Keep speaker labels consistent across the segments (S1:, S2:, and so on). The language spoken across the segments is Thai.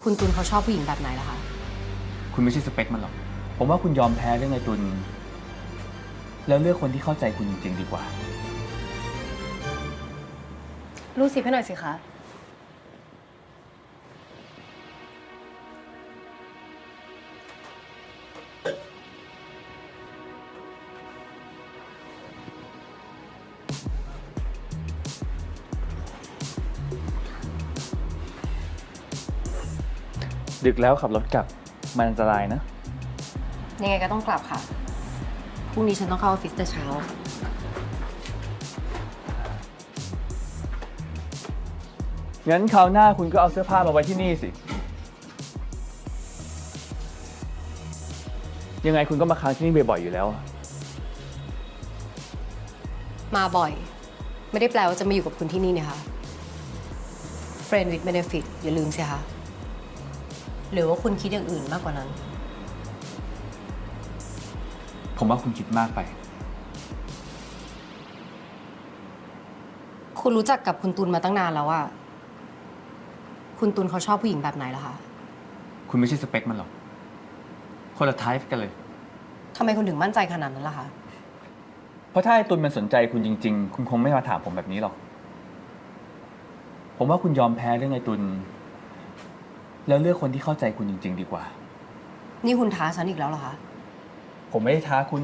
S1: คุณตุลเขาชอบผู้หญิงแบบไหนล่ะคะ
S2: คุณไม่ใช่สเปคมันหรอก ผมว่าคุณยอมแพ้เรื่องไอ้ตุลแล้วเลือกคนที่เข้าใจคุณจริงๆดีกว่า
S1: รูดซิปให้หน่อยสิคะ
S2: ดึกแล้วขับรถกลับมันอันตรายนะ
S1: ยังไงก็ต้องกลับค่ะ พรุ่งนี้ฉันต้องเข้าออฟฟิศแต่เช้า
S2: งั้นคราวหน้าคุณก็เอาเสื้อผ้ามาไว้ที่นี่สิ ยังไงคุณก็มาค้างที่นี่บ่อยๆอยู่แล้ว
S1: มาบ่อย ไม่ได้แปลว่าจะมาอยู่กับคุณที่นี่เนี่ยค่ะ Friend with benefit อย่าลืมสิคะหรือว่าคุณคิดอย่างอื่นมากกว่านั้น
S2: ผมว่าคุณคิดมากไป
S1: คุณรู้จักกับคุณตุลมาตั้งนานแล้วอะคุณตุลเขาชอบผู้หญิงแบบไหนล่ะคะ
S2: คุณไม่ใช่สเปคมันหรอก คนละไทป์กันเลย
S1: ทำไมคุณถึงมั่นใจขนาดนั้นล่ะคะ
S2: เพราะถ้าไอ้ตุลมันสนใจคุณจริงๆ คุณคงไม่มาถามผมแบบนี้หรอก ผมว่าคุณยอมแพ้เรื่องไอ้ตุลแล้วเลือกคนที่เข้าใจคุณจริงๆดีกว่า
S1: นี่คุณท้าฉันอีกแล้วเหรอคะ
S2: ผมไม่ได้ท้าคุณ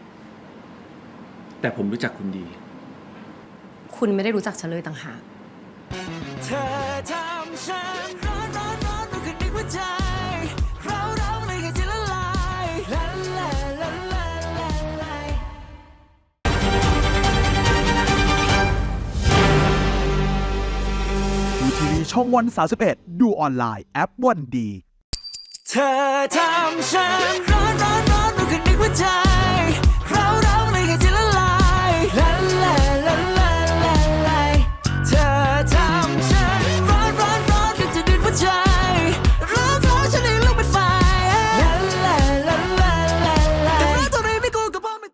S2: แต่ผมรู้จักคุณดี
S1: คุณไม่ได้รู้จักฉันเลยต่างหาก
S3: เธอทำฉันร้อนร้อนร้อนมันคือนึกว่าใจเราไม่เคยจะละลายละลายละลายละลาย
S4: ดูทีวีช่องวัน31ดูออนไลน์แอปวันดี
S3: เธอทำฉันร้อนร้อนร้อนมันคือ